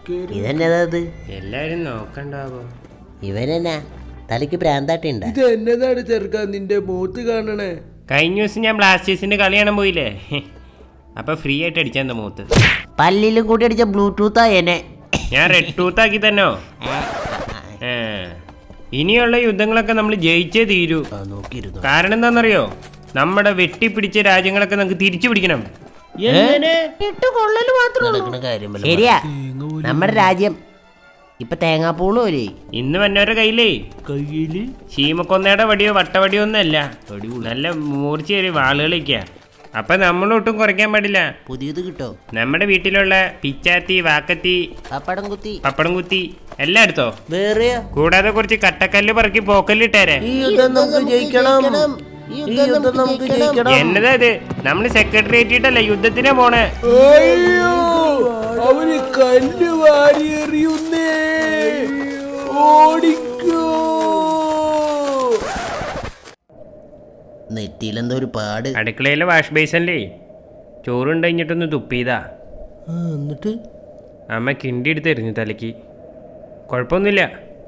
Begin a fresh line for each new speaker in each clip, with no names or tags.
ഇതെന്നതാ ഇത്?
എല്ലാരും നോക്കണ്ടാവോ?
ഇവനെന്നാ തലയ്ക്ക് പ്രാന്താട്ടുണ്ട്?
ഇത് എന്നതാണ് ചെറുക്കാൻ നിന്റെ മൂത്ത് കാണണേ?
കഴിഞ്ഞ ദിവസം ഞാൻ ബ്ലാസ്റ്റേഴ്സിന്റെ കളി കാണാൻ പോയില്ലേ, അപ്പൊ ഫ്രീ ആയിട്ട് അടിച്ചാ മൂത്ത്.
പല്ലിലും കൂടി അടിച്ച ബ്ലൂടൂത്താ എന്നെ.
ഞാൻ റെഡ് ടൂത്ത് ആക്കി തന്നോ. ഇനിയുള്ള യുദ്ധങ്ങളൊക്കെ നമ്മൾ ജയിച്ചേ തീരൂ. കാരണം എന്താണെന്നറിയോ? നമ്മുടെ വെട്ടിപ്പിടിച്ച രാജ്യങ്ങളൊക്കെ നമുക്ക് തിരിച്ചു പിടിക്കണം.
ശരിയാ, നമ്മുടെ രാജ്യം ഇപ്പൊ തേങ്ങാപ്പൂള് പോലെ.
ഇന്ന് വന്നവരുടെ കയ്യിലേ ശീമക്കൊന്നയുടെ വടിയോ വട്ടവടിയോ ഒന്നല്ല, നല്ല മൂർച്ചയേറിയ വാളുകളിക്കാ. അപ്പൊ നമ്മളൊട്ടും കുറയ്ക്കാൻ പാടില്ല.
പുതിയത് കിട്ടോ?
നമ്മുടെ വീട്ടിലുള്ള പിച്ചാത്തി, വാക്കത്തി, പപ്പടം കുത്തി എല്ലാം എടുത്തോ.
വേറെ
കൂടാതെ കുറച്ച് കട്ടക്കല്ല് പറക്കി പോക്കല്ലിട്ടേരെ. എന്നതാ ഇത്? നമ്മള് സെക്രട്ടേറിയറ്റിട്ടല്ല യുദ്ധത്തിനാ പോണേ.
അവര് കല്ല് വാരി എറിയുന്നേ, ഓടിക്കോ.
നെറ്റിയിലെന്തോ ഒരു പാട്.
അടുക്കളയിലെ വാഷ് ബേസിനില്ലേ ചോറുണ്ട് കഴിഞ്ഞിട്ടൊന്ന് തുപ്പിയതാ.
എന്നിട്ട്
അമ്മ കിണ്ടി എടുത്ത് എറിഞ്ഞു തലയ്ക്ക്. കുഴപ്പമൊന്നുമില്ല.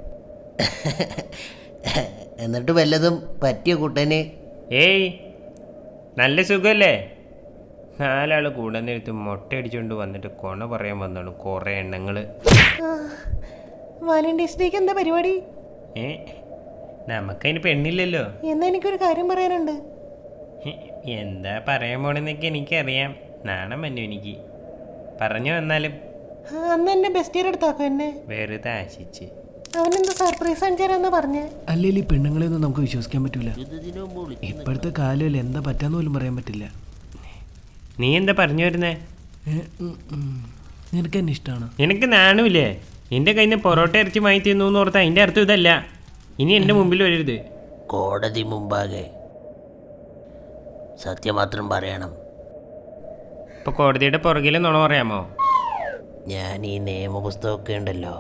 എന്നിട്ട് വല്ലതും പറ്റിയ കൂട്ടന്?
ഏയ്, നല്ല സുഖമല്ലേ? നാലാള് കൂടെ നേരത്ത് മുട്ട അടിച്ചുകൊണ്ട് വന്നിട്ട് കൊണ പറയാൻ വന്നാണ് കുറേ എണ്ണങ്ങള്.
വാലന്റൈൻസ് ഡേക്ക് എന്താ പരിപാടി?
നമുക്കതിന് പെണ്ണില്ലല്ലോ.
എന്നാ എനിക്കൊരു കാര്യം പറയാനുണ്ട്.
എന്താ പറയാൻ പോണെന്നൊക്കെ എനിക്കറിയാം. നാണം വന്നു എനിക്ക്. പറഞ്ഞു വന്നാലും.
അന്ന് എന്നെ ബെസ്റ്റ് ഇയർ എടുത്താക്കോ എന്നെ.
വെറുതെ ആശിച്ച്.
അവനെന്താ സർപ്രൈസ് അഞ്ചാരെന്നാ പറഞ്ഞേ.
അല്ലെങ്കിൽ ഈ പെണ്ണുങ്ങളെ ഒന്നും നമുക്ക് വിശ്വസിക്കാൻ പറ്റൂല. ഇപ്പോഴത്തെ കാലം എന്താ പറ്റാന്ന് പോലും പറയാൻ പറ്റില്ല.
നീ എന്താ പറഞ്ഞു വരുന്നേ?
നിനക്ക് എന്നെ ഇഷ്ടമാണ്.
നിനക്ക് നാണുമില്ലേ? നിന്റെ കയ്യിൽ നിന്ന് പൊറോട്ട ഇറച്ചി വാങ്ങി തിന്നു എന്ന് ഓർത്താ അതിന്റെ അർത്ഥം ഇതല്ല. ഇനി എന്റെ മുമ്പിൽ വരരുത്.
കോടതി മുമ്പാകെ സത്യം മാത്രം പറയണം.
ഇപ്പൊ കോടതിയുടെ പുറകിൽ നുണ പറയാമോ?
ഞാൻ ഈ നിയമപുസ്തകമൊക്കെ ഉണ്ടല്ലോ,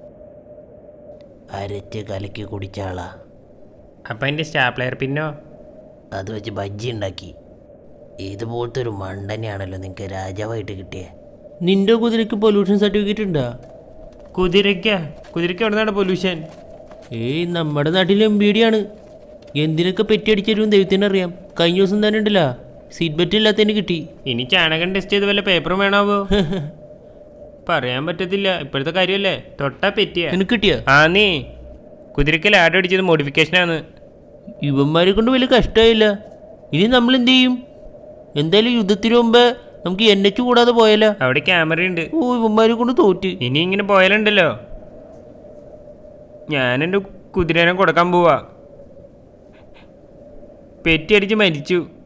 അരച്ച് കലക്കി കുടിച്ച ആളാ.
അപ്പൊ എന്റെ സ്റ്റാപ്ലെയർ പിന്നോ?
അത് വെച്ച് ബജ്ജി ഉണ്ടാക്കി. ഇതുപോലത്തെ ഒരു മണ്ടനെയാണല്ലോ നിങ്ങൾക്ക് രാജാവായിട്ട് കിട്ടിയേ. നിന്റെ കുതിരക്ക് പൊല്യൂഷൻ സർട്ടിഫിക്കറ്റ് ഉണ്ടാ?
കുതിരയ്ക്ക് എവിടെ നിന്നാണ് പൊല്യൂഷൻ?
ഏയ്, നമ്മുടെ നാട്ടിലെ MBD ആണ്. എന്തിനൊക്കെ പെറ്റിയടിച്ചരും ദൈവത്തിനറിയാം. കഴിഞ്ഞ ദിവസം തന്നെ ഉണ്ടല്ല, സീറ്റ് ബെൽറ്റ് ഇല്ലാത്തതിന് കിട്ടി.
ഇനി ചാണകം ടെസ്റ്റ് ചെയ്ത് വല്ല പേപ്പറും വേണാവോ? പറയാൻ പറ്റത്തില്ല, ഇപ്പോഴത്തെ കാര്യമല്ലേ. തൊട്ടാ പെറ്റിയ
എനിക്ക് കിട്ടിയ.
ആ, നീ കുതിരക്ക് ലാഡ് അടിച്ചത് മോഡിഫിക്കേഷനാണ്.
ഇവന്മാരെ കൊണ്ട് വലിയ കഷ്ടമായില്ല. ഇനി നമ്മൾ എന്ത് ചെയ്യും? എന്തായാലും യുദ്ധത്തിന് മുമ്പ് നമുക്ക് NH കൂടാതെ പോയാലോ?
അവിടെ ക്യാമറ ഉണ്ട്.
ഓ, ഇവന്മാരെ കൊണ്ട് തോറ്റ്.
ഇനി ഇങ്ങനെ പോയാലുണ്ടല്ലോ, ഞാൻ എൻ്റെ കുതിരേനെ കൊടുക്കാൻ പോവാ. പെറ്റി അടിച്ച് മരിച്ചു.